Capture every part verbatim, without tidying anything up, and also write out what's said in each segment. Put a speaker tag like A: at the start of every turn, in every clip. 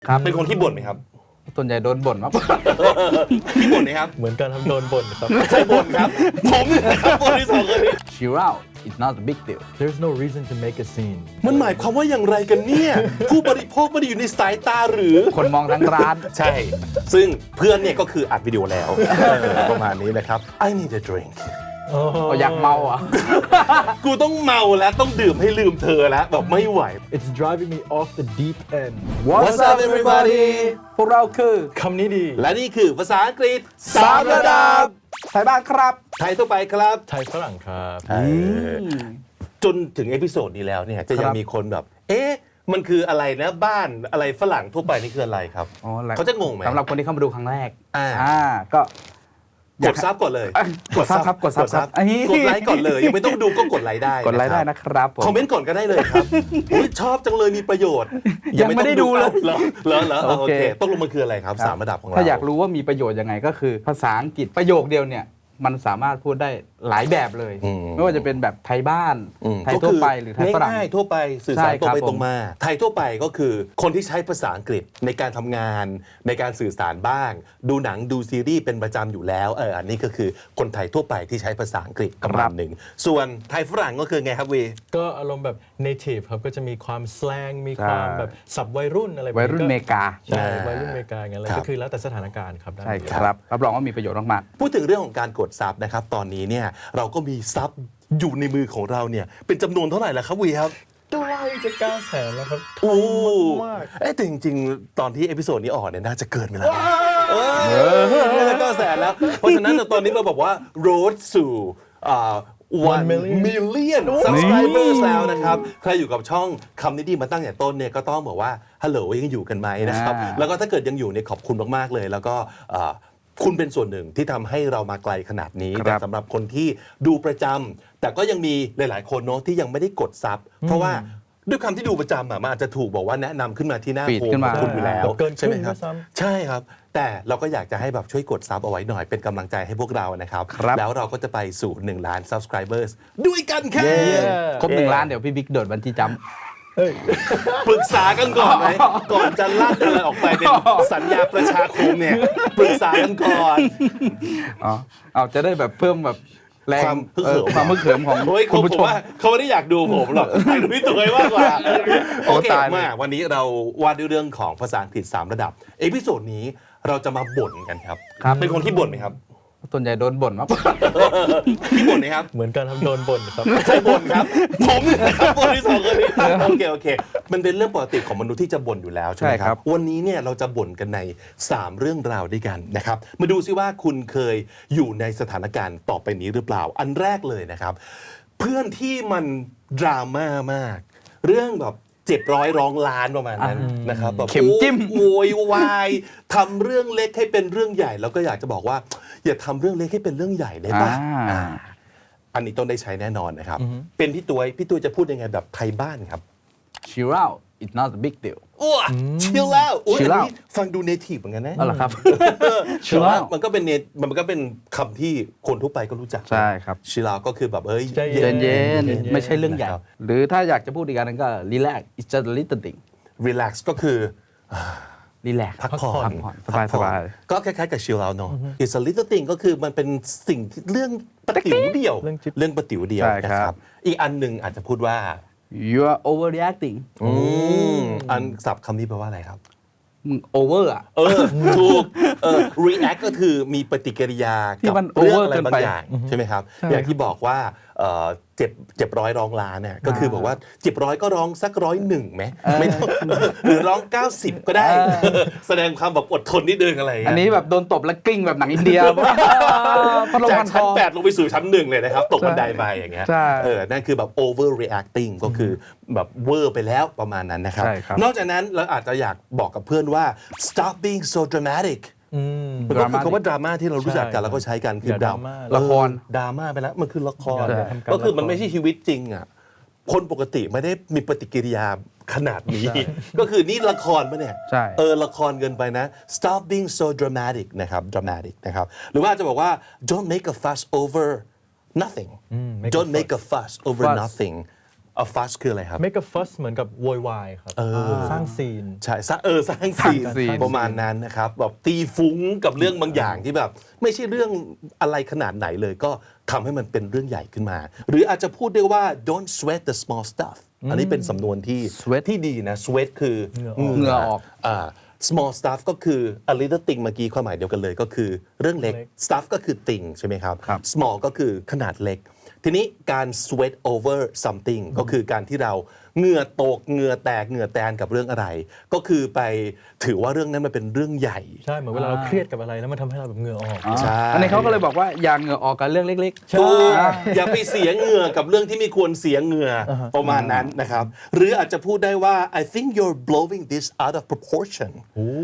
A: ครับ
B: เป็นคนที่บ่นไหมครับ
A: ส่วนใหญ่โดนบ่นมากกว่า
B: ที่บ่นไหมครับ
C: เหมือนกันครับโดนบ่นครับ
B: ใครบ่นครับ ผมนะครับบ่นที่สองคนนี้
A: Chill out it's not a big deal
C: There's no reason to make a scene
B: มันหมายความว่าอย่างไรกันเนี่ย ผู้บริโภคไม่ได้อยู่ในสายตาหรือ
A: คนมองทั้งร้าน
B: ใช่ ซึ่งเพื่อนเนี่ยก็คืออัดวิดีโอแล้วเออประมาณนี้นะครับ I need a drink
C: โอ้โห
A: อยากเมาอ่ะ
B: กูต้องเมาแล้วต้องดื่มให้ลืมเธอแล้วแบบไม่ไหว
C: It's driving me off the deep end
B: What's up everybody
A: พวกเราคือ
C: คำนี้ดี
B: และนี่คือภาษาอังกฤษสามระดับ
A: ไทยบ้านครับ
B: ไทยทั่วไปครับ
C: ไทยฝรั่งครับ
B: เออจนถึงเอพิโซดนี้แล้วเนี่ยจะยั
A: ค
B: ง
A: รับ
B: มีคนแบบ เอ๊ะ มันคืออะไรนะบ้านอะไรฝรั่งทั่วไปนี่คืออะไรครับ
A: อ๋อแล้ว
B: เขาจะงงไหม
A: สำหรับคนที่เข้ามาดูครั้งแรก
B: อ่า
A: ก็อก ยา
B: ดซับก่อนเลย
A: เอ้ยกดซับครับกดซับครับ
B: กดไลค์ก่อนเลย ยังไม่ต้องดูก็กดไลค์ได้
A: กดไลค์ได้
B: นะ
A: นะครับผม
B: คอมเมนต์ก่อนก็ได้เลยครับอุ๊ยชอบจังเลยมีประโยชน์
A: ยังไม่ได้ดูเลย
B: เหรอเหรอเหรอเหรอโอ
A: โอ
B: เค
A: เค
B: ต้องลงมันคืออะไรครับสามระดับของเรา
A: ถ้าอยากรู้ว่ามีประโยชน์ยังไงก็คือ ภาษาอังกฤษประโยคเดียวเนี่ยมันสามารถพูดได้หลายแบบเลย
B: อืม
A: ไม่ว่าจะเป็นแบบไทยบ้าน
B: อืม
A: ไทยทั่วไปหรือไทยฝรั่ง
B: ง่ายๆทั่วไปสื่อสาร
A: ใช่
B: ตรง
A: ครับ
B: ไป
A: ผม
B: ตรงมา ไทยทั่วไปก็คือคนที่ใช้ภาษาอังกฤษในการทำงาน ในการสื่อสารบ้าง ดูหนังดูซีรีส์เป็นประจำอยู่แล้วเอออันนี้ก็คือคนไทยทั่วไปที่ใช้ภาษาอังกฤษประมาณหนึ่งส่วนไทยฝรั่งก็คือไงครับวี
C: ก็อารมณ์แบบ native ครับก็จะมีความ slang มีความแบบสับวัยรุ่นอะไรแบบ
A: วัยรุ่นอเมริกา
C: ใช่วัยรุ่นอเมริกาอย่างเงี้ยอะไร
B: ครับ
C: ก็คือแล้วแต่สถานการณ์ครับด้าน
A: ใช่
C: นี้
A: ครับรับรองว่ามีประโยชน์มาก
B: พูดถึงเรื่องของการกดซับนะครับตอนนี้เนี่ยเราก็มีซับอยู่ในมือของเราเนี่ยเป็นจำนวนเท่าไหร่แล้วครับวีครับ
C: ใกล้จะเก้าแสนแล้วครับ
B: โอ้
C: มาก
B: เอ้แต่จริงๆ ตอนที่เอพิโซดนี้ออกเนี่ยน่าจะเกินไปแล้วเออน่าจะเก้าแสนแล้ว เพราะฉะนั้นตอนนี้เราบอกว่า road สู่อ่า one million subscribers แล้วนะครับ ใครอยู่กับช่องคำนี้ดีมาตั้งแต่ต้นเนี่ยก็ต้องบอกว่าฮัลโหลยังอยู่กันไหมนะครับ
A: อ่า
B: แล้วก็ถ้าเกิดยังอยู่เนี่ยขอบคุณมากๆเลย แล้วก็อ่าคุณเป็นส่วนหนึ่งที่ทำให้เรามาไกลขนาดนี้
A: ครับ
B: แต่สำหรับคนที่ดูประจำแต่ก็ยังมีหลายๆคนเนาะที่ยังไม่ได้กดซับเพราะว่าด้วยคำที่ดูประจำอะมันอาจจะถูกบอกว่าแนะนำขึ้นมาที่หน้า
A: ฟีด
B: โพล
A: ขึ้น
B: ข
A: มา
B: องคุณอยู่แล้ว
C: เกินครึ่ง
B: ใช่ไหมครับ
C: ด้วยซ้ำ
B: ใช่ครับ แต่เราก็อยากจะให้แบบช่วยกดซับเอาไว้หน่อยเป็นกำลังใจให้พวกเรานะครับ
A: ครับ
B: แล้วเราก็จะไปสู่หนึ่งล้าน subscribers ด้วยกันค่ะ
A: ๆ ครบหนึ่งล้านเดี๋ยวพี่บิ๊กโดดบันจี้จัมป์
C: เฮ้ย
B: ปรึกษากันก่อนไหมก่อนจะลั่นอะไรออกไปเป็นสัญญาประชาคมเนี่ยปรึกษากันก่อน
A: อ๋อเอาจะได้แบบเพิ่มแบบแรง
B: ความฮึก
A: เอ
B: เหิ
A: อ
B: ม
A: ความมึกเขิมของ
B: โอ้ย
A: คุ
B: เขา
A: ณผู้
B: ผ
A: ช
B: ม
A: ม
B: ว่าเขาไม่ได้อยากดูผมหรอกอยากดูพี่ตัวมากกว่า
A: โอ้
B: โอเค
A: ตายเลย
B: มากวันนี้เราว่าด้วยเรื่องของภาษาอังกฤษสามระดับเอพิโซดนี้เราจะมาบ่นกันครับ
A: ครับ
B: เป็นคนที่บ่นไหมครับ
A: ส่วนใหญ่โดนบ่นมากกว่า
B: พี่บ่นไหมครับ
C: เหมือนกันครับโดนบ่นครับ
B: ใช่บ่นครับ ผมนะครับบ่นที่สองคนนี้โอเคโอเค มันเป็นเรื่องปกติของมนุษย์ที่จะบ่นอยู่แล้วใช่ไหม
A: ใช่
B: ค
A: ครั
B: รับ
A: บ
B: วันนี้เนี่ยเราจะบ่นกันในสามเรื่องราวด้วยกันนะครับมาดูซิว่าคุณเคยอยู่ในสถานการณ์ต่อไปนี้หรือเปล่า อันแรกเลยนะครับ เพื่อนที่มันดราม่ามาก เรื่องแบบเจ็บร้อยร้องล้านประมาณนั้นนะครับแบบ
A: เข็มจิ้ม
B: โวยวายทำเรื่องเล็กให้เป็นเรื่องใหญ่ แล้วก็อยากจะบอกว่า อย่าทำเรื่องเล็กให้เป็นเรื่องใหญ่ได้ปะ
A: อ่า
B: อ่าอันนี้ต้องได้ใช้แน่นอนนะครับ เป็นพี่ตัวพี่ตัวจะพูดยังไงแบบไทยบ้านครับ
A: Chill out it's not a big deal
B: อ้วชิลแล้วอุ้ย
A: chill
B: อัน
A: out
B: นี้ฟังดูเนทีฟเหมือนกันนะ
A: เอาล่ะครับ
B: ชิล
A: chill
B: แล้ว
A: out
B: มันก็เป็นเนมันก็เป็นคำที่คนทั่วไปก็รู้จัก
A: ใช่ครับ
B: ชิลแล้วก็คือแบบเอ้ย
C: ใจเย็
A: เย็น
C: เย็
A: เย็น
C: นๆ
A: ไม่ใช่เรื่องใหญ่
B: นะครับ
A: หรือถ้าอยากจะพูดอีกอันหนึงก็ relax it's just a little thing
B: relax ก็คือ
A: relax
B: พักผ่อน
A: พักผ่อนสบาย
B: พักผ่อน
A: สบาย
B: ก็คล้ายๆกับชิลแล้วเนาะ it's a little thing ก็คือมันเป็นสิ่งที่เรื่องประติ๋วเดียว
C: เรื่องจิ๊บ
B: เรื่องประติ๋วเดียว
A: ใช่
B: นะ
A: ค
B: ค
A: รั
B: รับ บ อีกอันหนึ่งอาจจะพูดว่า
A: you are overreacting
B: อืมอันศัพท์คำนี้แปลว่าอะไรครับ
A: มึง over อ่ะ
B: เออ ถูกเออ react ก็คือมีปฏิกิริยา
A: ที่
B: กับ
A: มัน
B: เรื่อง
A: over
B: อะไร
A: เกิน
B: บาง
A: ไป
B: อย่างใช่ไหมครับ
A: ใช่
B: อย่างที่บอกว่าเอ่อเจ็บเจ็บร้อยร้องล้านเนี่ยก็คือบอกว่าเจ็บร้อยก็ร้องสักร้อยหนึ่งไหมไม่ต้องหรือร้องเก้าสิบก็ได้ แสดงความแบบอดทนนิดนึงอะไรอย่าง
A: อัน
B: เงี้ย
A: นี้แบบโดนตบแล้วกลิ้งแบบหนังอินเดียพัดลม
B: จาก
A: พันค
B: ชั้น
A: อ
B: แปดลงไปสู่ชั้นหนึ่งเลยนะครับ ตกบันไดไปอย่างเงี้ย
A: ใช่
B: เออนั่นคือแบบ over reacting ก็คือแบบเวอร์ไปแล้วประมาณนั้นนะครับ
A: ใช่ครับ
B: นอกจากนั้นเราอาจจะอยากบอกกับเพื่อนว่า stop being so dramatic
C: อืม
B: มันก็คือคำว่าดราม่าที่เรารู้จักกัน
C: ใช่
B: แล้วก็ใช้กันคือ
C: อย่าดราม่า
B: เออ
A: ละคร
B: ดราม่าไปแล้วมันคือละคร
C: ใช่ทำการ
B: ก็คือมัน
C: ละคร
B: ไม่ใช่ชีวิตจริงอ่ะคนปกติไม่ได้มีปฏิกิริยาขนาดนี้
C: ใช่
B: ก็คือนี่ละครปะเนี่ย
A: ใช่
B: เออละครเกินไปนะ stop being so dramatic นะครับ dramatic นะครับหรือว่าจะบอกว่า don't make a fuss over nothing
C: make a
B: don't make a fuss over
A: fuss
B: nothing a fuss คืออะไรครับ
C: make a fuss เหมือนกับโวยวายครับสร้างซีน
B: ใช่สร้างเออสร้างซีน
A: สร้างซีน
B: ประมาณนั้นนะครับแบบตีฟุ้งกับเรื่องบางอย่างที่แบบ ไม่ใช่เรื่องอะไรขนาดไหนเลยก็ทำให้มันเป็นเรื่องใหญ่ขึ้นมา หรืออาจจะพูดได้ว่า don't sweat the small stuff อันนี้เป็นสำนวนที่
A: sweat
B: ที่ดีนะ sweat คือ
A: เหงื่อออก
B: อ่า small stuff ก็คือ a little thing เมื่อกี้ความหมายเดียวกันเลยก็คือเรื่องเล็ก stuff ก็คือ thing ใช่ไหมครับ
A: ครับ
B: small ก็คือขนาดเล็ก ทีนี้การ sweat over something ก็คือการที่เราเหงื่อตกเหงื่อแตกเหงื่อแตนกับเรื่องอะไร ก็คือไปถือว่าเรื่องนั้นมันเป็นเรื่องใหญ่
C: ใช่เหมือนเวลาเราเครียดกับอะไรแล้วมันทำให้เราแบบเหงื่อออก
B: ใช่
A: อันนี้เขาก็เลยบอกว่าอย่าเหงื่อออกกับเรื่องเล็กๆ
B: ถูกอย่าไปเสียเหงื่อกับเรื่องที่ไม่ควรเสียเหงื่อประมาณนั้นนะครับ หรืออาจจะพูดได้ว่า I think you're blowing this out of proportion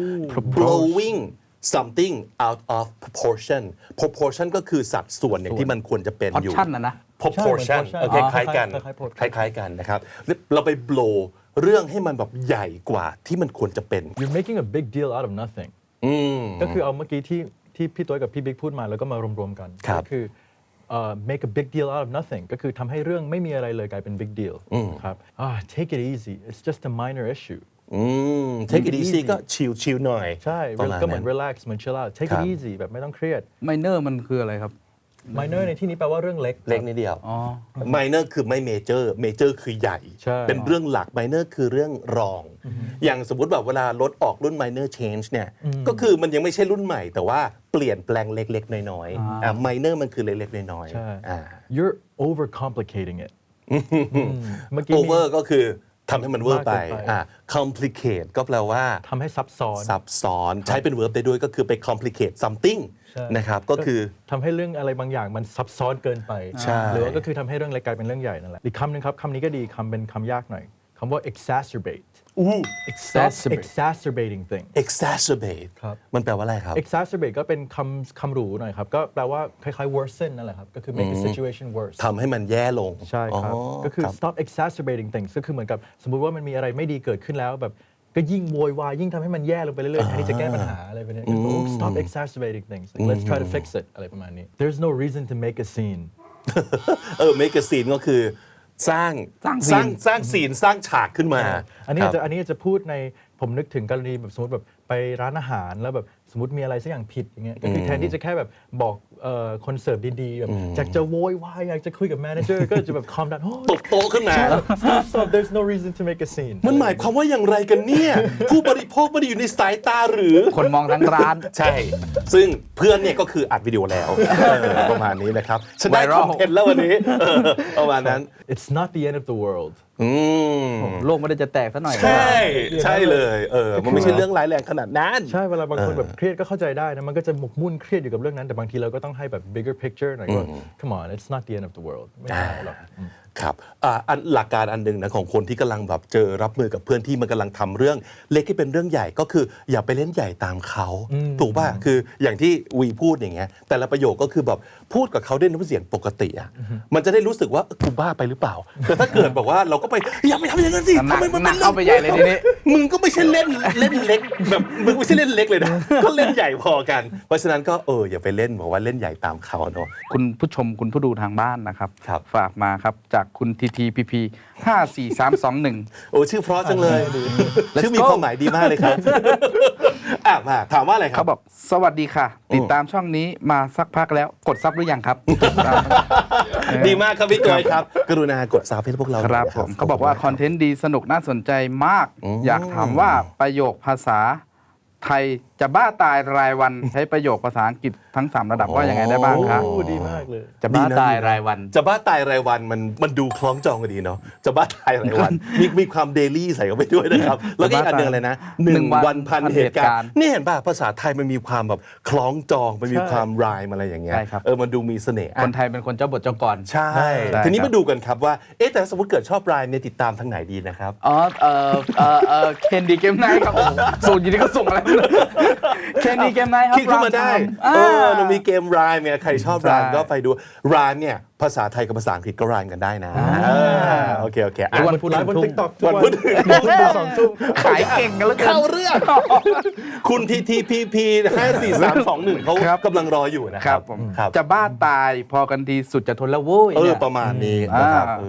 B: blowing something out of proportion proportion ก็คือสัดส่วนอย่างที่มันควรจะเป็นอยู่
A: portion นะนะ
B: proportion
C: ใช่
B: เออ
C: เหมือน
B: คล้ายๆกัน
C: คล้ายๆ
B: คล้ายๆกันนะครับเราไป blow เรื่องให้มันแบบใหญ่กว่าที่มันควรจะเป็น
C: you're making a big deal out of nothing ก็คือเอาเมื่อกี้ที่ที่พี่ตัวกับพี่บิ๊กพูดมาแล้วก็มารวมๆกัน
B: ครับ
C: ก็คือเอ่อ make a big deal out of nothing ก็คือทำให้เรื่องไม่มีอะไรเลยกลายเป็น big deal ครับอ่า take it easy it's just a minor issue
B: อืม take it easy ก็ชิลชิลหน่อย
C: ใช่
B: ประมาณ
C: ก็เหมือน
B: นั้น
C: relax เหมือน chill out take
B: ครั
C: it
B: บ
C: easy แบบไม่ต้องเครียด
A: minor มันคืออะไรครับ
C: minor ในที่นี้แปลว่าเรื่องเล็ก
B: เล็กนิดเดียว
A: อ๋อ
B: minor คือไม่ major major คือใหญ่
C: ใช่
B: เป็นเรื่องหลัก minor คือเรื่องรอง อย่างสมมุติแบบเวลารถออกรุ่น minor change เนี่ยก็คือมันยังไม่ใช่รุ่นใหม่ แต่ว่าเปลี่ยนแปลงเล็กๆน้อยๆอ่า minor มันคือเล็กๆน้อย
C: ใช่
B: ๆอ่า
C: you're over complicating it เมื่อกี้มี
B: over ก็คือทำให้มันเวอร์ไป
C: มากเกินไป
B: อ่า complicate ก็แปลว่า
C: ทำให้ซับซ้อน
B: ซับซ้อนใช้เป็น verb ได้ด้วยก็คือไป complicate something
C: ใช่
B: นะครับก็คือ
C: ทำให้เรื่องอะไรบางอย่างมันซับซ้อนเกินไป
B: ใช่
C: หรือว่าก็คือทำให้เรื่องเล็กกลายเป็นเรื่องใหญ่นั่นแหละอีกคำหนึ่งครับคำนี้ก็ดีคำเป็นคำยากหน่อยคำว่า exacerbate
B: อู้
C: stop
A: Exacerbate
C: exacerbating things
B: exacerbate
C: ครับ
B: มันแปลว่าอะไรครับ
C: exacerbate ก็เป็นคำคำหรูหน่อยครับ ก็แปลว่าคล้ายๆ worsen นั่นแหละครับ ก็คือ make a situation worse
B: ทำให้มันแย่ลง
C: ใช่ครับ
B: อ๋อ
C: ก็คือ
B: รับ
C: stop exacerbating things ก็คือเหมือนกับสมมุติว่ามันมีอะไรไม่ดีเกิดขึ้นแล้วแบบก็ยิ่งโวยวายยิ่งทำให้มันแย่ลงไปเรื่อยๆแทนที่จะแก้ปัญหาอะไรแบบนี้ก็บอกว่า stop exacerbating things Like, let's try to fix it อะไรประมาณนี้ there's no reason to make a scene
B: เออ make a scene ก็คือสร้าง
A: สร้าง
B: สร้าง
A: scene
B: สร้างซีนสร้างฉากขึ้นมา
C: อันนี้
B: ครับ
C: จะอันนี้จะพูดในผมนึกถึงกรณีแบบสมมติแบบไปร้านอาหารแล้วแบบสมมติมีอะไรสักอย่างผิดอย่างเงี้ยก็คือแทนที่จะแค่แบบบอกเอ่อคนเสิร์ฟดีๆแบบอยากจะโวยวายอยากจะคุยกับแมเนเจอร์ก็จะแบบ calm down โอ้
B: ตบโต๊ะขึ้นมา
C: stop stop there's no reason to make a scene
B: มันหมายความว่าอย่างไรกันเนี่ย ผู้บริโภคไม่ได้อยู่ในสายตาหรือ
A: คนมองทั้งร้าน
B: ใช่ ซึ่งเพื่อนเนี่ยก็คืออัดวิดีโอแล้วเออประมาณนี้นะครับฉันได้ค
A: Viral
B: อนเทนต์แล้ววันนี้เออประมาณนั้น
C: it's not the end of the world
B: อืม
A: โลกไม่ได้จะแตกซะหน่อย
B: ใช่ใช่เลยเออมันไม่ใช่เรื่องร้ายแรงขนาดนั้น
C: ใช่เวลาบางคนแบบเครียดก็เข้าใจได้นะมันก็จะหมกมุ่นเครียดอยู่กับเรื่องนั้นแต่บางทีเราก็ต้องให้แบบ bigger picture หน่อยว่า come on it's not the end of the world ไม่ใช่หรอก
B: ครับอ่าอันหลักการอันหนึ่งนะของคนที่กำลังแบบเจอรับมือกับเพื่อนที่มันกำลังทำเรื่องเล็กที่เป็นเรื่องใหญ่ก็คืออย่าไปเล่นใหญ่ตามเขาถูกป่ะคืออย่างที่วีพูดอย่างเงี้ยแต่ละประโยคก็คือแบบพูดกับเขาด้วยน้ำเสียงปกติอ่ะมันจะได้รู้สึกว่าเออกูบ้าไปหรือเปล่าแต่ถ้าเกิดบอกว่าเราก็ไปอย่าไปทำอย่างนั้นสิ
A: หนั
B: ทำ
A: ก
B: ไมมัน
A: หนั
B: เป็น
A: ก
B: เรื่
A: เข้าไปใหญ่เลยทีนี้
B: มึงก็ไม่ใช่เล่นเล่นเล็กแบบมึงไม่ใช่เล่นเล็กเลยนะก็เล่นใหญ่พอกัน เพราะฉะนั้นก็เอออย่าไปเล่นบอกว่าเล่นใหญ่ตามเขาเนาะ
A: คุณผู้ชมคุณผู้ดูทางบ้านนะครับ
B: ครับ
A: ฝากมาครับจากคุณทีทีพีพีห้าสี่สามสองหนึ่ง
B: โอ้ชื่อเพราะจังเลย
A: Let's
B: ชื่อมี
A: go
B: ความหมายดีมากเลยครับ อ่ะมาถามว่าอะไรครั
A: เขา
B: บ
A: บอกสวัสดีค่ะ ติดตามช่องนี้มาสักพักแล้วกดซับหรือยังครับ
B: ดีมากครับพี่กอยครับ กรุณากดซับให้พวกเรา
A: ครับ
B: หน่อย
A: ผมเขาบอกว่าคอนเทนต์ดีสนุกน่าสนใจมาก อยากถามว่าประโยคภาษาไทยจะบ้าตายรายวัน ใช้ประโยคภาษาอังกฤษทั้งสามระดับว่ายังไงได้บ้างครับ
C: โอ้ดีมากเลย
A: จะบ้าตายรายวัน
B: จะบ้าตายรายวันมันมันดูคล้องจองกันดีเนาะจะบ้าตายรายวัน มีมีความเดลี่ใส่เข้าไปด้วยนะครับ แล้วก็อีกอันหนึงอะไรนะหนึ่งวันพันเหตุการณ์นี่เห็นป่ะภาษาไทยมันมีความแบบคล้องจองมันมีความรายอะไรอย่างเงี้ย
A: ใช่ครับ
B: เออมันดูมีเสน่ห์
A: คนไทยเป็นคนเจ้าบทเจ้ากร
B: ใช่
A: ใช่
B: ทีนี้
A: ครับ
B: มาดูกันครับว่าเอ๊ะแต่สมมติเกิดชอบรายเนี่ยติดตามทางไหนดีนะครับ
A: อ๋อเออเออเออเคนดีเกมไนท์ครับโอ้โหส่งอยู่นี่ก็ส่งอะไรไม่รู้เคนดีเกมไนท์ครับ
B: คิดขึ้นมาได้
A: อ่า
B: เออเรามีเกมรายเนี่ยใครชอบราย
A: ใช่
B: ก็ไปดูรายเนี่ยภาษาไทยกับภาษาอังกฤษก็รายกันได้นะเออโอเคโอเคอ่ะ
C: วันพุธไลฟ์บน TikTok ทุก
B: วัน
C: วัน
B: พุธ
C: สองทุ่ม
A: ขายเก่งกันแล้วกัน
B: เข้าเรื่อง คุณทีทีพีพีห้าสี่สามสองหนึ่งเขา
A: ครับ
B: กำลังรออยู่นะ
A: ค
B: ค
A: รั
B: รั
A: บบ ผม
B: ครับ
A: จะบ้าตายพอกันทีสุดจะทนแล้วโว้ย
B: เออ
A: นี่ย
B: ประมาณนี้นะครับ
A: อ่า
B: เออ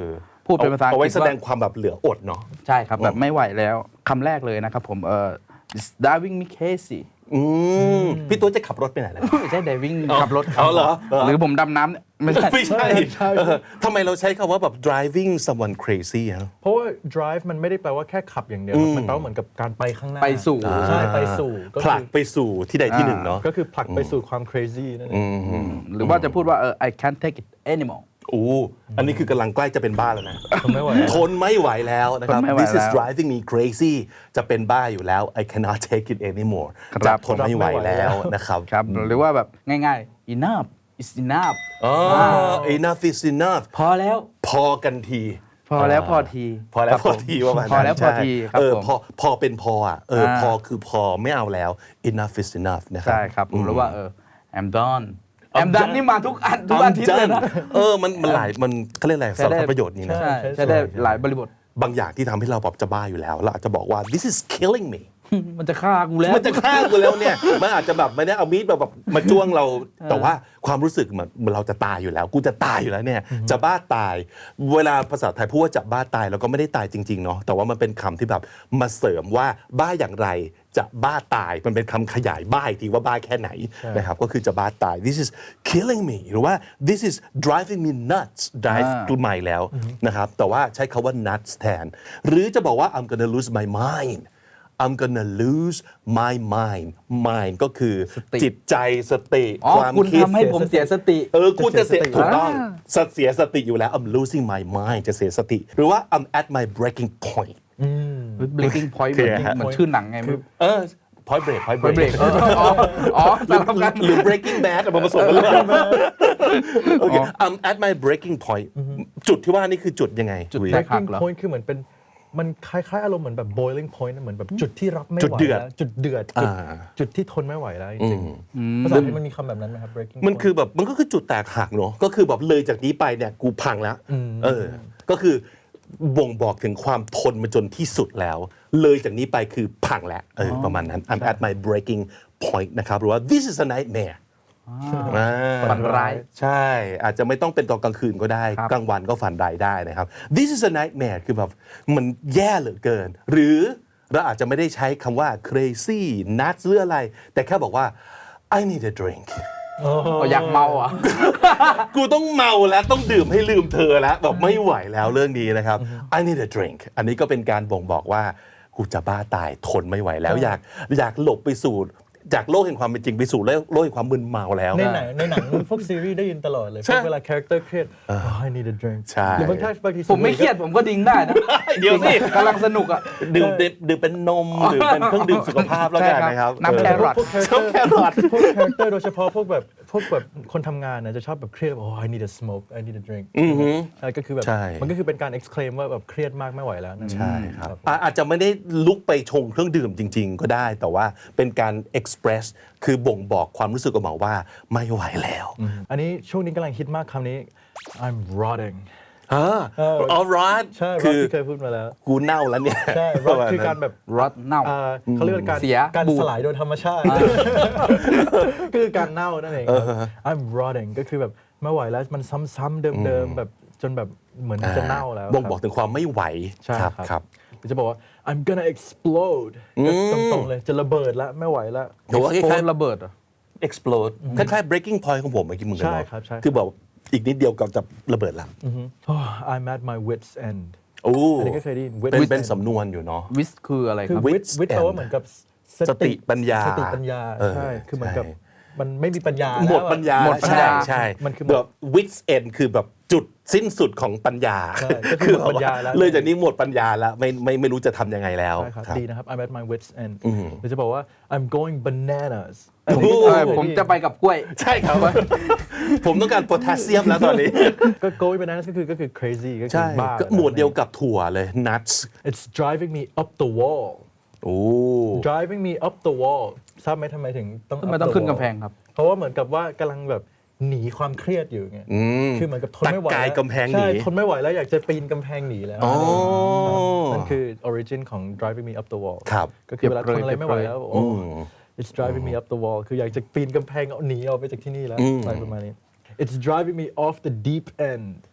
A: พูดเป็นภาษาอัง
B: เอา
A: ก
B: ไว้
A: ฤษ
B: แสดง
A: ว่า
B: ความแบบเหลืออดเนาะ
A: ใช่ครับแบบไม่ไหวแล้วคำแรกเลยนะครับผมเอ่อ it's driving me crazy
B: อืมพี่ตัวจะขับรถไปไหนแล้ว
A: ไม่ใช่ driving ขับรถ
B: เอาเหรอ
A: หรือผมดำน้ำเนี่ยไม่ใช่
B: ไม่ใช่
C: ใช่
B: เออทำไมเราใช้คำว่าแบบ driving someone crazy ฮะ
C: เพราะว่า drive มันไม่ได้แปลว่าแค่ขับอย่างเดียวครับมันแปลว่าเหมือนกับการไปข้างหน้า
A: ไปสู่
C: ใช่ไปสู่ก็
B: ผลัก
C: คือ
B: ไปสู่ที่ใดที่หนึ่งเนาะ
C: ก็คือผลักไปสู่ความ crazy นั่นเอง
A: หรือว่าจะพูดว่าเออ I can't take it anymore
B: โอ้อันนี้คือกำลังใกล้จะเป็นบ้าแล้วนะ
C: ทนไม่ไหว
B: ทนไม่ไหวแล้วนะครับ
A: ทนไม่ไหว
B: This is
A: แล้ว
B: driving me crazy จะเป็นบ้าอยู่แล้ว I cannot take it anymore
A: ครับ
B: จะทนไม่ไหวแล้วนะครับ
A: ครับหรือว่าแบบง่ายๆ enough is enough
B: อ๋อ enough is enough
A: พอแล้ว
B: พอกันที
A: พอแล้วพอที
B: พอแล้ว
A: ครับ
B: พอ
A: ผม
B: ทีว่ามัน
A: พอแล้วพอทีครับ
B: เออ
A: ผม
B: พอพอเป็นพออ่ะเออ
A: อ่า
B: พอคือพอไม่เอาแล้ว enough is enough นะครับ
A: ใช่ครับผมหรือว่าเออ I'm done
B: I'm
A: I'm done
B: done
A: นี่มาทุกอันทุก
B: I'm
A: อาทิตย์เลยนะ
B: done เออมันมันหลายมันเขาเรียกอะไรสารพัดประโยชน์นี้นะ
A: ใช่ใช่ได้หลายบริบท
B: บางอย่างที่ทำให้เราแบบจะบ้าอยู่แล้วเราอาจจะบอกว่า this is killing me
A: มันจะฆ่ากูแล้ว
B: มันจะฆ่ากูแล้วเนี่ย มันอาจจะแบบไม่ได้เอามีดแบบแบบมาจ้วงเรา แต่ว่าความรู้สึกเหมือนเหมือนเราจะตายอยู่แล้ว กูจะตายอยู่แล้วเนี่ย จะบ้าตาย เวลาภาษาไทยพูดว่าจะบ้าตายเราก็ไม่ได้ตายจริงๆเนาะ แต่ว่ามันเป็นคำที่แบบมาเสริมว่าบ้าอย่างไรจะบ้าตาย มันเป็นคำขยายบ้าอีกทีว่าบ้าแค่ไหนนะครับ ก็คือจะบ้าตาย this is killing me หรือว่า this is driving me nuts drive
A: อ่า
B: ใหม่แล้วนะครับ แต่ว่าใช้คาว่า nuts แทน หรือจะบอกว่า I'm gonna lose my mind I'm gonna lose my mind mind ก็คือ
A: สติ
B: จิตใจสติ
A: อ๋อ
B: ความ
A: คุณ
B: คิด
A: ทำให้ผมเสียสติ
B: เออกูจะเสีย
C: จะเสียสติ
B: ถูกต้อง
A: อ่า
B: เสียสติอยู่แล้ว I'm losing my mind จะเสียสติ หรือว่า I'm at my breaking point
A: breaking point เหมือน
B: คือฮะ
A: เหมือนชื่อหนังไงไม่รู้
B: เออ point break point
A: ไปเบร
B: break
A: กอ๋ออ๋อสลับกัน
B: หรือ breaking bad เอามาผสมกันเลยโอเค I'm at my breaking point จุดที่ว่านี่คือจุดยังไง
A: จุด
B: วี
A: แตกหัก
C: breaking
A: เหรอ
C: point คือเหมือนเป็นมันคล้ายๆอารมณ์เหมือนแบบ boiling point นะเหมือนแบบจุดที่รับไม่
B: จุด
C: ไหว
B: เดือด
C: แล้วจุดเดือดจุด
B: อ่า
C: จุดที่ทนไม่ไหวแล้วจริงๆภาษาไทยมันมีคำแบบนั้นไหมครับ breaking
B: มัน
C: point
B: คือแบบมันก็คือจุดแตกหักเนอะก็คือแบบเลยจากนี้ไปเนี่ยกูพังแล้วเออ ก็คือบ่งบอกถึงความทนมาจนที่สุดแล้ว เลยจากนี้ไปคือพังแล้วเออประมาณนั้น I'm at my breaking point นะครับหรือว่า this is a nightmare อ่า
A: ฝันร้าย
B: ใช่อาจจะไม่ต้องเป็นตอนกลางคืนก็ได้
A: ครับ
B: กลางวันก็ฝันร้ายได้นะครับ this is a nightmare คือแบบมันแย่เหลือเกิน หรือเราอาจจะไม่ได้ใช้คำว่า crazy nuts หรืออะไร แต่แค่บอกว่า I need a drink
A: อ๋ออยากเมาเหรอ่ะ
B: กูต้องเมาแล้วต้องดื่มให้ลืมเธอแล้วแบบไม่ไหวแล้วเรื่องนี้นะครับ I need a drink อันนี้ก็เป็นการบ่งบอกว่ากูจะบ้าตายทนไม่ไหวแล้ว อยากอยากหลบไปสู่จากโลกแห่งความเป็นจริงไปสู่โลกแห่งความมึนเมาแล้ว
C: ในหนังในหนังพวกซีรีส์ได้ยินตลอดเลยพ
B: ใช่
C: วกเวลาคาแรคเตอร์เครียด oh I need a drink
B: ใช่
C: หรือบางทีบางที
A: ผมไม่เครียดผมก็ดิ้งได้นะ
B: เดี๋ยวสิ
A: กำลังสนุกอ่ะ
B: ดื่มดื่มดื่มเป็นนมหรือเป็นเครื่องดื่มสุขภาพแล้วกัน
A: ใช่
B: นะครับ
A: น้ำ
B: เออ
A: แครอท
C: พวกคาแรคเตอร์
B: แครอท
C: พวกคาแรคเตอร์โดยเฉพาะพวกแบบพวกแบบคนทำงานนะจะชอบแบบเครียดแบบ oh I need a smoke I need a drink ใช่ก็คือแบบ
B: ใช่
C: มันก็คือเป็นการ exclaim ว่าแบบเครียดมากไม่ไหวแล้วนั่นเอง
B: ใช่ครับอ่ะอาจจะไม่ได้ลุกไปชงเครื่องดื่มจริง ๆ ก็ได้ แต่ว่าเป็นการ express คือบ่งบอกความรู้สึกออกมาว่าไม่ไหวแล้ว
C: อันนี้ช่วงนี้กำลังฮิตมากคำนี้ I'm rotting
B: อ่า alright
C: ใช่
B: คื
C: rot
B: อ
C: ที่เคยพูดมาแล้ว
B: กูเน่าแล้วเนี่ย
C: ใช่
B: ประ
C: rot
B: มาณ
C: คือ
B: นั้น
C: การแบบ
A: รถเน่า
C: อ่าเขาเรียกว่าการ
A: เสีย
C: การ
A: บูด
C: สลายโดยธรรมชาติคือการเน่านั่นเองครับ I'm rotting ก็คือแบบไม่ไหวแล้วมันซ้ำๆเดิมๆแบบจนแบบเหมือนจะเน่าแล้ว
B: บ่ง
C: ครับ
B: บอกถึงความไม่ไหว
C: ใช่
B: ครับ
C: ครับ
B: ครับ
C: หรือจะบอกว่า I'm gonna explode ก็ตรงๆเลยจะระเบิดแล้วไม่ไหวแล้ว
B: หรือว่าค
A: โค
B: ล้าย
A: ตรระเบิดเหรอ
B: ๆ explode คล้ายๆ breaking point ของผมเมื่อกี้มึงกัน
C: ใช่
B: เนาะ
C: ครับใช่
B: คือแบบอีกนิดเดียวก็จะระเบิดละ
C: Oh, I'm at my wits end
B: โอ้
C: อันนี้ก็เคยได้ยิน wits
B: เป็น
C: end
B: เป็นสำนวนอยู่เนาะ
A: วิสคืออะไร
C: คื
A: ค
C: อ
A: รับ
C: wits wits แปลว่าเหมือนกับ
B: สติปัญญา
C: สติปัญญา
B: เออ
C: ใช่คือเหมือนกับ
B: ใช่
C: มันไม่มีปัญญา
B: หมด
C: แล้วอะ
B: ปัญญา
A: หมดปัญญา
B: ใช่ใช่
C: มันคือ
B: แบบ wits end คือแบบจุดสิ้นสุดของปัญญา
C: ใช่ก็คือหมดปัญญาแล้ว
B: เลยจากนี้หมดปัญญาแล้วไม่ไม่ไม่รู้จะทำยังไงแล้ว
C: ใช่ครับ
B: ครับ
C: ดีนะครับ I'm at my wits end หรือจะบอกว่า I'm going bananas
A: ผม
B: โอ้
A: เออผมจะไปกับกล้วย
B: ใช่ครับ ผมต้องการโพแทสเซียมแล้วตอนนี้
C: ก็ going bananas ก็คือก็คือ crazy ก็คื
B: ใช่
C: อบ้า
B: ก็หมวดเดียวกับถั่วเลย nuts
C: It's driving me up the wall
B: โอ้
C: driving me up the wall ทราบไหมทำไมถึงต้อง
A: ทำไม
C: up
A: ต้อง
C: the
A: ขึ้น
C: wall
A: กำแพงครับ
C: เพราะว่าเหมือนกับว่ากำลังแบบหนีความเครียดอยู่ไง
B: ม
C: คือเหมือนกับทนไม่ไหว
B: ตะกาย
C: แล้ว
B: กำแพงหนี
C: ใช่ทนไม่ไหวแล้วอยากจะปีนกำแพงหนีแล้ว
B: อ๋อ
C: นั่นคือ origin ของ driving me up the wall
B: ครับ
C: ก็คือเวลาทนอะไรไม่ไหว
A: เปรียบเลย
C: แล้วโอ้ it's driving me up the wall คืออยากจะปีนกำแพงเอาหนีออกไปจากที่นี่แล้วอะไรประมาณนี้ it's driving me off the deep end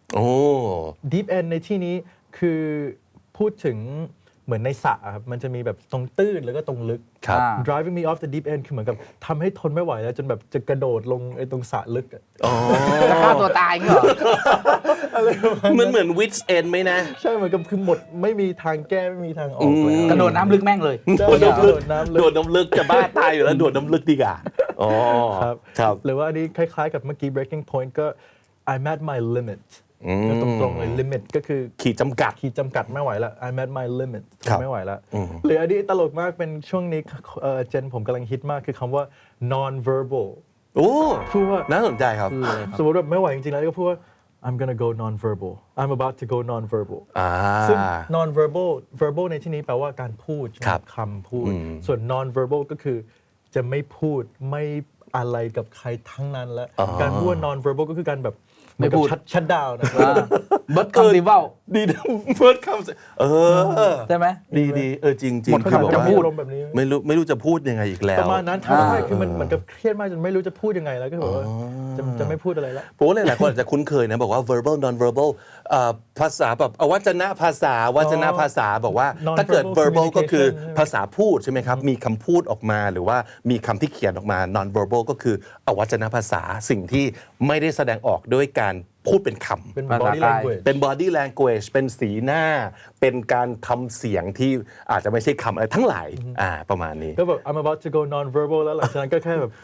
B: โอ้
C: deep end ในที่นี้คือพูดถึงเหมือนในสระครับมันจะมีแบบตรงตื้นแล้วก็ตรงลึก
B: ครับ
A: อ่า
C: driving me off the deep end คือเหมือนกับทำให้ทนไม่ไหวแล้วจนแบบจะกระโดดลงไอ้ตรงสระลึกอะ
A: จะฆ่าตัวตายงี้เหรอ
B: เหมือนเหมือนวิดเอนไหมนะ
C: ใช่เหมือนกับคือหมดไม่มีทางแก้ไม่มีทางออกแล้ว
A: กระโดดน้ำลึกแม่งเลย
C: ใช่
B: โดดน้ำลึก
C: โดดน้ำลึก
B: โดดน้ำลึกจะบ้าตายอยู่แล้วโดดน้ำลึกดีกว่าอ๋อ
C: ครับ
B: ครับ
C: หรือว่าอันนี้คล้ายๆกับเมื่อกี้ breaking point ก็ I'm at my limit ก็ตรงๆเลย limit ก็คือ
B: ขีดจำกัด
C: ขีดจำกัดไม่ไหวแล้ว I'm at my limit
B: ครับ
C: ไม่ไหวแล้ว หรืออันนี้ตลกมากเป็นช่วงนี้เอ่อเจนผมกำลังฮิตมากคือคำว่า non verbal
B: โอ้
C: พูดว่า
B: น่าสนใจครับ
C: สมมติว่าไม่ไหวจริงๆแล้วก็พูดว่า I'm gonna go non verbal I'm about to go non verbal
B: อ่า
C: ซึ่ง non verbal verbal ในที่นี้แปลว่าการพูด
B: ครับ
C: คำพูด ส่วน non verbal ก็คือจะไม่พูดไม่อะไรกับใครทั้งนั้นแล้ว การพูดว่า non verbal ก็คือการแบบ
A: ไม่พูด
C: ชัดชัดดาวนะ
A: เบิร์ดคำติเว้า
B: ดีนะเฟิร์สคำเออ
A: ใช่ไหม
B: ดีดีเออจริงจริง
A: หมด
B: คือ
A: คำ
B: บอก
A: จะ
B: ว่า
A: พูด
C: อารมณ์แบบนี้
B: ไม่รู้ไม่รู้จะพูดยังไงอีกแล้ว
C: ประมาณนั้นทำให้
A: อ่า
C: คือมันเหมือนกับเครียดมากจนไม่รู้จะพูดยังไงแล้วก็แบบว่าจะจะไม่พูดอะไรแล้ว
B: ผมว่าหลายๆคนอาจจะคุ้นเคยนะบอกว่า verbal non verbal เอ่อภาษาแบบเอาวัจนภาษาวัจนภาษาบอกว่า
C: Non-verbal
B: ถ้าเกิด verbal ก็คือ
C: communication
B: ภาษาพูดใช่ไหมครับ มีคำพูดออกมาหรือว่ามีคำที่เขียนออกมา non verbal ก็คืออวัจนภาษาสิ่งที่ไม่ได้แสดงออกด้วยการพูดเป็นคำ
C: เป็น
A: ภาษา
C: body
A: กาย
C: language
B: เป็น body language เป็นสีหน้า เป็นการทำเสียงที่อาจจะไม่ใช่คำอะไรทั้งหลายอ่าประมาณนี้
C: ก็แบบ I'm about to go non verbal แล้วหลังจากนั้นก็แค่แบบ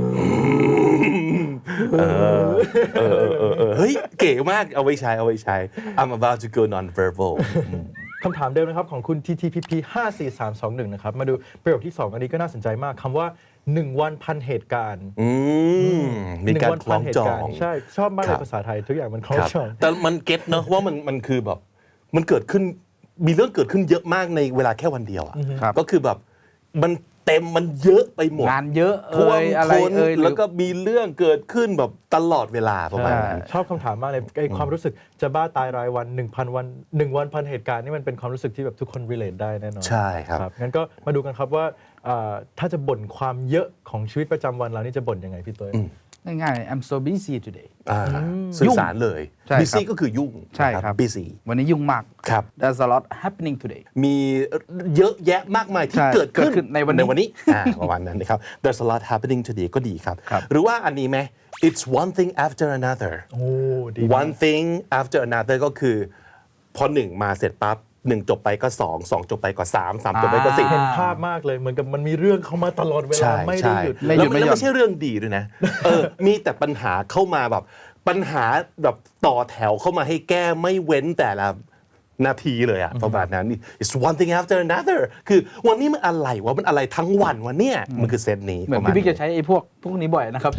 B: เออเออเออเออเฮ้ย เก๋มากเอาไว้ใช้เอาไว้ใช้ I'm about to go non verbal
C: คำถามเดิมนะครับของคุณ ที ที พี พี ห้า สี่ สาม สอง หนึ่งนะครับมาดูประโยคที่ สอง อันนี้ก็น่าสนใจมากคำว่า หนึ่ง วันพันเหตุการณ์
B: อืมมีการ
C: หนึ่
B: คล้องจอ
C: วันพันเหตุาง รณ์ใช่ ชอบมาก
B: ค
C: เล
B: รั
C: ย
B: บ
C: ภาษาไทย ทุกอย่างมันคล้อง
B: ครับ
C: จอง
B: แต่มันเก็ตเนอะว่ามันมันคือแบบ มันเกิดขึ้นมีเรื่องเกิดขึ้นเยอะมากในเวลาแค่วันเดียวอ่ะ
A: ครับ
B: ก็คือแบบมันเต็มมันเยอะไปหมด
A: งานเยอะ
B: ท่ว
A: เอ่
B: ม
A: ยอะไร
B: ท้น
A: เอ่ยหรือ
B: แล้วก็มีเรื่องเกิดขึ้นแบบตลอดเวลาประมาณนั้น
C: ชอบคำถามมากเลยไอความรู้สึกจะบ้าตายรายวัน 1,000 วัน 1 วันพันเหตุการณ์นี่มันเป็นความรู้สึกที่แบบทุกคน relate ได้แน่นอน
B: ใช่ครับ
C: งั้นก็มาดูกันครับว่าอ่าถ้าจะบ่นความเยอะของชีวิตประจำวันเรานี่จะบ่นยังไงพี่ตัว
A: ง่ายๆ I'm so busy today
B: อ่าสื่อสารเลย
A: ใช่ครับ
B: busy ก็คือยุ่ง
A: ใช่ครับ
B: นะ busy
A: วันนี้ยุ่งมาก
B: ครับ
A: There's a lot happening today
B: มีเยอะแยะมากมายที่
A: ใช่
B: เกิดขึ้น
A: เกิดขึ้นในวันนี้
B: ในวันนี้อ่าประมาณนั้นนะครับ There's a lot happening today ก็ดีครับ
A: ครับ
B: หรือว่าอันนี้ไหม It's one thing after another
C: โอ้ดีมาก
B: one thing after another ก็คือ พอหนึ่งมาเสร็จปั๊บหนึ่งจบไปก็สองสองจบไปก็สามสามจบไปก็สี่
C: เห็นภาพมากเลยเหมือนกับมันมีเรื่องเข้ามาตลอดเวลา
B: ใช่
C: ไม่ได้
B: ใช่
C: หยุด
A: ไม่ห
B: แล้ว
A: ยุดไม่
B: แล้ว
A: หย่อน
B: ไม่ใช่เรื่องดีด้วยนะ เออ มีแต่ปัญหาเข้ามาแบบ ปัญหาแบบต่อแถวเข้ามาให้แก้ไม่เว้นแต่ละนาทีเลยอะประมาณนั้น it's one thing after another คือวันนี้มันอะไรวะมันอะไรทั้งวันวะเนี่ยมันคือเซตนี้
A: เหมือน
B: ประมาณ
A: พี่บิ๊ก
B: นี้
A: จะใช้ไอ้พวกพวกนี้บ่อยนะครับ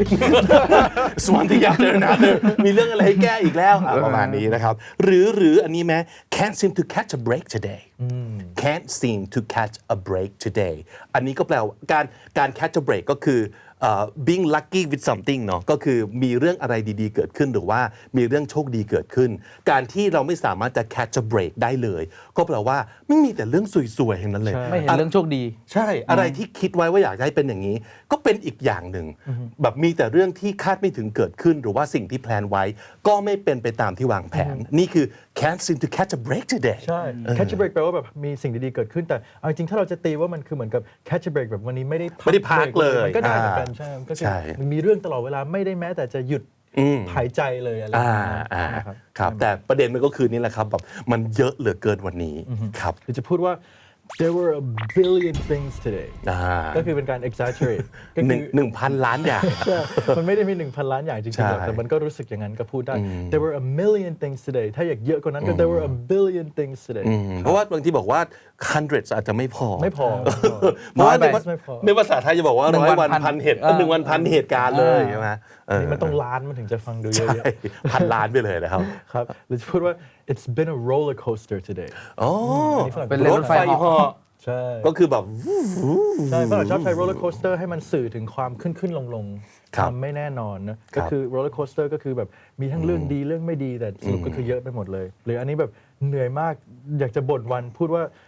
B: it's one thing after another มีเรื่องอะไรให้แก้อีกแล้วอ่ะประมาณนี้นะครับ หรือหรืออันนี้ไหม can't seem to catch a break today can't seem to catch a break today อันนี้ก็แปลว่าการการ catch a break ก็คือเอ่อ being lucky with something เนาะก็คือมีเรื่องอะไรดีๆเกิดขึ้นหรือว่ามีเรื่องโชคดีเกิดขึ้น การที่เราไม่สามารถจะ catch a break ได้เลย ก็แปลว่าไม่มีแต่เรื่องสวยๆอย่างนั้นเลย
A: ไม่เห็นเรื่องโชคดี
B: ใช่ อะไรที่คิดไว้ว่าอยากจะให้เป็นอย่างนี้ ก็เป็นอีกอย่างหนึ่ง แบบมีแต่เรื่องที่คาดไม่ถึงเกิดขึ้น หรือว่าสิ่งที่แพลนไว้ ก็ไม่เป็นไปตามที่วางแผน นี่คือ can't seem to catch a break today
C: ใช่ catch a break แปลว่าแบบมีสิ่งดีๆเกิดขึ้นแต่เอาจริงๆถ้าเราจะตีว่ามันคือเหมือนกับ catch a break แบบวันนี้ไม่ได้
B: ไม่ได้พักเลย
C: มันก็ได้เหมือนกัน
B: อ่า
C: ใช่มันก็คือ
B: ใช่
C: มันมีเรื่องตลอดเวลาไม่ได้แม้แต่จะหยุดหายใจเลยอะไรแบบ
B: อ่า
C: นั้น
B: อ่า
C: นะครับ
B: ครับแต่ประเด็นมันก็คือนี่แหละครับแบบมันเยอะเหลือเกินวันนี้ครับ
C: หรือจะพูดว่า there were a billion things today
B: อ่า
C: ก็คือเป็นการ exaggerate ก็
B: ห
C: คื
B: นึ่ง
C: อ
B: หนึ่งพันล้านอย่าง
C: ใช่มันไม่ได้มี 1,000 ล้านอย่างจริงๆหรอก
B: ใช่
C: แต่มันก็รู้สึกอย่างนั้นก็พูดได้ there were a million things today ถ้าอยากเยอะกว่านั้นก็ there were a billion things today
B: อืมเพราะว่าบางทีบอกว่า hundreds อาจจะไม่พอ
C: ไม่พอ
B: เพราะว่าใน
C: ร้อย
B: ภา
C: ไม่พอ
B: ในภาษาไทยจะบอกว่า
A: หนึ่ง
B: ร้อย
A: วั
B: วัน น
A: พั
B: พั
A: น
B: นเหตุ
A: เออ
B: หนึ่งวันพันเหตุการณ์เลยใช่ไหมเออ
C: นี่มันต้องล้านมันถึงจะฟังดูเย
B: ใช่
C: อะ
B: พันล้านไปเลยนะครับ
C: ๆครับหรือจะพูดว่า it's been a roller coaster today
B: อ๋อ
C: นี่ฝรั่ง
A: เป็นเล่นรถไฟเหาะ
C: ใช่
B: ก็คือแบบ
C: ใช่ฝรั่งชอบใช้ roller coaster ให้มันสื่อถึงความขึ้นขึ้นลงลงๆ
B: ค
C: ครับ วามไม่แน่นอนนะก็คือ roller coaster ก็คือแบบมีทั้งเรื่องดีเรื่องไม่ดีแต่สรุปก็คือเยอะไปหมดเลย หรืออันนี้แบบเหนื่อยมากอยากจะบ่นวันพูดว่า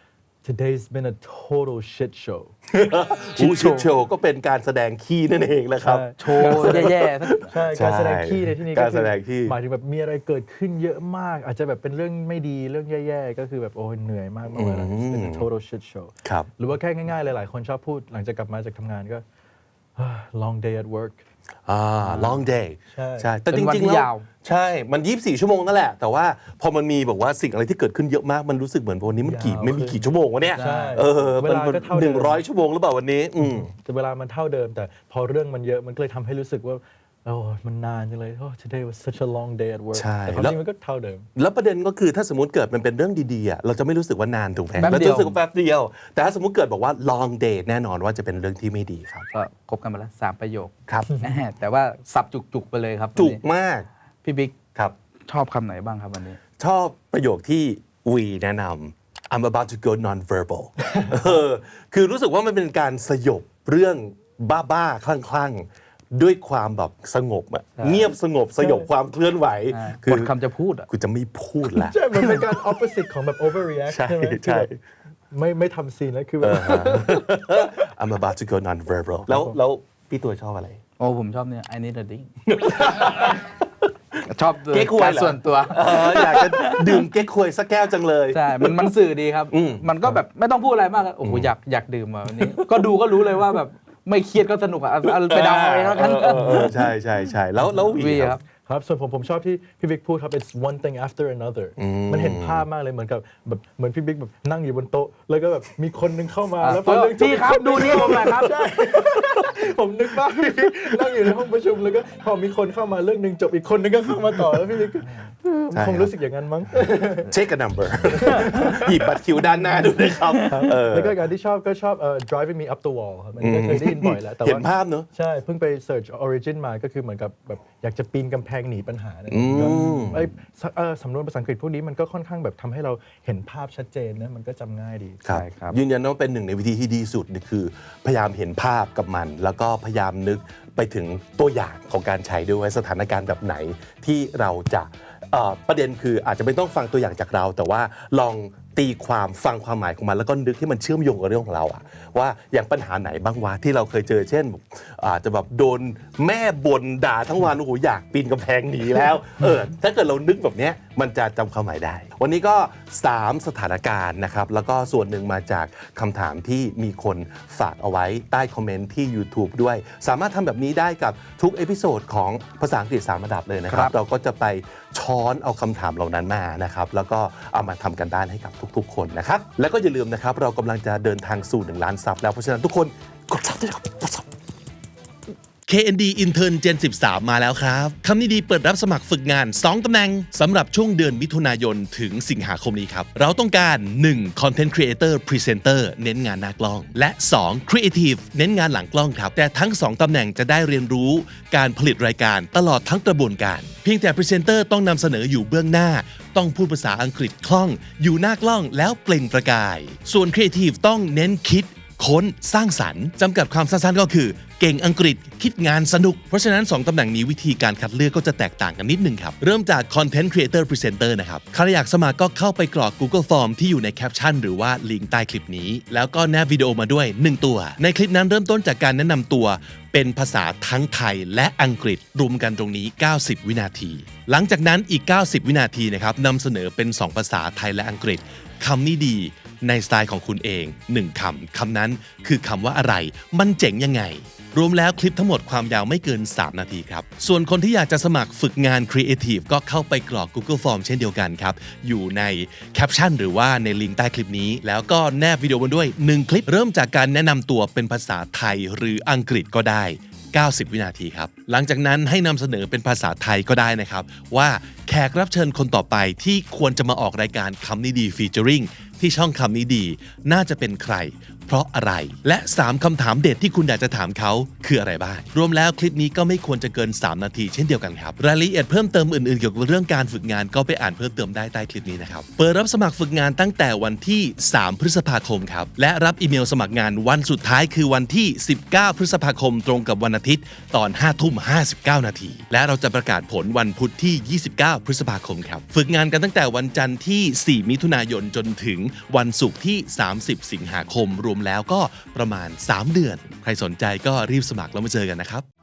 C: today's been a total shit show
B: ชิดโชว์ก็เป็นการแสดงขี้นั่นเองแหละครับ
A: โชว์แย่ๆสัก
C: ใช่การแสดงขี้ในที่นี้
B: การแสดงขี้
C: หมายถึงแบบมีอะไรเกิดขึ้นเยอะมาก อาจจะแบบเป็นเรื่องไม่ดีเรื่องแย่ๆก็คือแบบโอ้ยเหนื่อยมากเมื่อวานนั้นเป็น total shit show
B: ครับ
C: หรือว่าแค่ง่ายๆเลยหลายคนชอบพูดหลังจากกลับมาจากทำงานก็ long day at work
B: อ่า long day
C: ใช่
B: ใช่แต่
A: เป็
B: จ
A: นวัน
B: ริงๆ
A: ที่
B: แล้ว
A: ยาว
B: ใช่ มันยี่สิบสี่ชั่วโมงนั่นแหละ แต่ว่าพอมันมีแบบว่าสิ่งอะไรที่เกิดขึ้นเยอะมากมันรู้สึกเหมือนวันนี้มันกี่
C: ยาว
B: ไม่มีกี่ชั่วโมงวะเนี่ย
C: ใช่
B: เออ
C: เว
B: มัน
C: ลาก็เท่า
B: ห
C: เดิ
B: นึ่ง
C: ม
B: ร้อยชั่วโมงหรือเปล่าวันนี้ อืม
C: แต่เวลามันเท่าเดิมแต่พอเรื่องมันเยอะมันก็เลยทำให้รู้สึกว่าโอ้มันนานจังเลย oh today was such a long day at work
B: ใช่
C: แต่ความ
B: แล้ว
C: จริงมันก็เท่าเดิม
B: แล้วประเด็นก็คือถ้าสมมติเกิดมันเป็นเรื่องดีๆอ่ะเราจะไม่รู้สึกว่านานถูกไหม
A: แป๊บ
B: เรา
A: เดี
B: จะ
A: ยว
B: รู้สึกว่าแป๊บเดียว แต่ถ้าสมมติเกิดบอกว่า long day แน่นอนว่าจะเป็นเรื่องที่ไม่ดีครับ
A: ก็ครบกันมาแล้วสามประโยค
B: ครับ
A: แหม่แต่ว่าสับจุกๆไปเลยครับ
B: จุก
A: วันนี้
B: มาก
A: พี่บิ๊ก
B: ครับ
A: ชอบคำไหนบ้างครับวันนี้
B: ชอบประโยคที่วีแนะนำ I'm about to go non-verbal เออคือรู้สึกว่ามันเป็นการสยบเรื่องบ้าๆ คลั่งๆ ด้วยความแบบสงบอะเงียบสงบสยบความเคลื่อนไหว
A: หมดคำจะพูดอ่ะ
B: กูจะไม่พูดละ
C: ใช่มันเป็นการ opposite ของแบบ overreact
B: ใช่
C: ใช่ไหม
B: ใช่
C: คือแบบไม่ไม่ทำซีนแล้วคือแบบ
B: I'm about to go non-verbal แล้วแล้วพี่ตัวชอบอะไร
A: โอ้ผมชอบเนี่ย I need a drink ชอบ
B: เก๊กฮวย
A: การ
B: เหรอ
A: ส่วนตัว
B: เอออยากจะดื่มเก๊กควยสักแก้วจังเลย
A: ใช่ มันมันสื่อดีครับ
B: อืม
A: มันก็แบบไม่ต้องพูดอะไรมากอะโอ้โหอยากอยากดื่มอ่ะวันนี้ ก็ดูก็รู้เลยว่าแบบไม่เครียดก็สนุกอ่ะเอาเอาไปเดาเอาเองแล้วกัน
B: เออเออเออใช่ใช่ใช่แล้วแล้ววี
A: วี
B: ค
A: ค
B: รั
A: รับ บ
C: ครับส่วนผมผมชอบที่พี่บิ๊กพูดครับ it's one thing after another มันเห็นภาพมากเลยเหมือนกับแบบเหมือนพี่บิ๊กแบบนั่งอยู่บนโต๊ะ แล้วก็แบบมีคนนึงเข้ามา
A: อ่ะ
C: แล้วพอเรื่องจ
A: พี่ครับดูนี่ผมหน่อยครับ
C: ใช่ผมนึกว่าพี่บิ๊กนั่งอยู่ในห้องประชุมแล้วก็พอมีคนเข้ามาเรื่องหนึ่งจบอีกคนนึงก็เข้ามาต่อแล้วพี่บิ๊กก็เออ
B: ใช่
C: คงรู้สึกอย่างนั้นมั้ง
B: Take a number หยิบบัตรคิวด้านหน้าดูเลยครับเออ
C: แล้วก็การที่ชอบก็ชอบเอ่อ driving me up the wall ครับมันก็เคยได้ยินบ่อยแล้วแต่
B: เห็
C: ว่าน
B: ภาพเนอะ
C: ใช่เพิ่งไป search origin มาก็คือเหมือนกับแบบอยากจะปีนกำแพงหนีปัญหาเนี่ยก็ไอ้สเอ่อสำนวนภาษาอังกฤษพวกนี้มันก็ค่อนข้างแบบทำให้เราเห็นภาพชัดเจนนะมันก็จำง่ายดี
B: ครับ
A: ใช่ครับ
B: ยืนยันว่าเป็นหนึ่งในวิธีที่ดีสุดนี่คือพยายามเห็นภาพกับมัน แล้วก็พยายามนึกไปถึงตัวอย่างของการใช้ด้วยว่าสถานการณ์แบบไหนที่เราจะเอ่อประเด็นคืออาจจะไม่ต้องฟังตัวอย่างจากเรา แต่ว่าลองตีความฟังความหมายของมันแล้วก็นึกที่มันเชื่อมโยงกับเรื่องของเราอะว่าอย่างปัญหาไหนบ้างวะที่เราเคยเจอเช่นอาจจะแบบโดนแม่บ่นด่าทั้งวันโอ้โหอยากปีนกำแพงหนีแล้วเออถ้าเกิดเรานึกแบบเนี้ยมันจะจำความหมายได้ วันนี้ก็สามสถานการณ์นะครับแล้วก็ส่วนหนึ่งมาจากคำถามที่มีคนฝากเอาไว้ใต้คอมเมนต์ที่ YouTube ด้วย สามารถทำแบบนี้ได้กับทุกเอพิโซดของภาษาอังกฤษสามระดับเลยนะครับ
A: ครับ
B: เราก็จะไปช้อนเอาคำถามเหล่านั้นมานะครับแล้วก็เอามาทำกันบ้านให้กับทุกๆ คนนะครับแล้วก็อย่าลืมนะครับเรากำลังจะเดินทางสู่หนึ่งล้านซับแล้วเพราะฉะนั้นทุกคนกดซับด้วยครับกดซับ เค เอ็น ดี Intern Gen สิบสามมาแล้วครับคำนี้ดีเปิดรับสมัครฝึกงาน สอง ตำแหน่งสำหรับช่วงเดือนมิถุนายนถึงสิงหาคมนี้ครับ เราต้องการ หนึ่ง Content Creator Presenter เน้นงานหน้ากล้อง และ สอง Creative เน้นงานหลังกล้องครับ แต่ทั้ง สอง ตำแหน่งจะได้เรียนรู้การผลิตรายการตลอดทั้งกระบวนการ เพียงแต่ Presenter ต้องนำเสนออยู่เบื้องหน้า ต้องพูดภาษาอังกฤษคล่อง อยู่หน้ากล้องแล้วเปล่งประกาย ส่วน Creative ต้องเน้นคิดค้นสร้างสรรค์จำกัดความสั้นๆก็คือเก่งอังกฤษคิดงานสนุกเพราะฉะนั้นสองตำแหน่งนี้วิธีการคัดเลือกก็จะแตกต่างกันนิดนึงครับเริ่มจาก Content Creator Presenter นะครับใครอยากสมัครก็เข้าไปกรอก Google Form ที่อยู่ในแคปชั่นหรือว่าลิงก์ใต้คลิปนี้แล้วก็แนบวิดีโอมาด้วยหนึ่งตัวในคลิปนั้นเริ่มต้นจากการแนะนำตัวเป็นภาษาทั้งไทยและอังกฤษรวมกันตรงนี้เก้าสิบวินาทีหลังจากนั้นอีกเก้าสิบวินาทีนะครับนำเสนอเป็นสองภาษาไทยและอังกฤษคำนี้ดีในสไตล์ของคุณเองหนึ่งคำคำนั้นคือคำว่าอะไรมันเจ๋งยังไงรวมแล้วคลิปทั้งหมดความยาวไม่เกินสามนาทีครับส่วนคนที่อยากจะสมัครฝึกงาน Creative ก็เข้าไปกรอก Google Form เช่นเดียวกันครับอยู่ในแคปชั่นหรือว่าในลิงก์ใต้คลิปนี้แล้วก็แนบวิดีโอมาด้วยหนึ่งคลิปเริ่มจากการแนะนำตัวเป็นภาษาไทยหรืออังกฤษก็ได้เก้าสิบวินาทีครับหลังจากนั้นให้นำเสนอเป็นภาษาไทยก็ได้นะครับว่าแขกรับเชิญคนต่อไปที่ควรจะมาออกรายการคำนี้ดีฟีเจอริงที่ช่องคำนี้ดีน่าจะเป็นใครพ
D: เพราะอะไร และสามคำถามเด็ดที่คุณอยากจะถามเขาคืออะไรบ้างรวมแล้วคลิปนี้ก็ไม่ควรจะเกินสามนาทีเช่นเดียวกันครับรายละเอียดเพิ่มเติมอื่นๆเกี่ยวกับเรื่องการฝึกงานก็ไปอ่านเพิ่มเติมได้ใต้คลิปนี้นะครับเปิดรับสมัครฝึกงานตั้งแต่วันที่สามพฤษภาคมครับและรับอีเมลสมัครงานวันสุดท้ายคือวันที่สิบเก้าพฤษภาคมตรงกับวันอาทิตย์ตอนห้าทุ่มห้าสิบเก้านาทีและเราจะประกาศผลวันพุธที่ยี่สิบเก้าพฤษภาคมครับฝึกงานกันตั้งแต่วันจันทร์ที่สี่มิถุนายนจนถึงวันศุกร์ที่สามสิบสิงหาคมรวมแล้วก็ประมาณสามเดือนใครสนใจก็รีบสมัครแล้วมาเจอกันนะครับ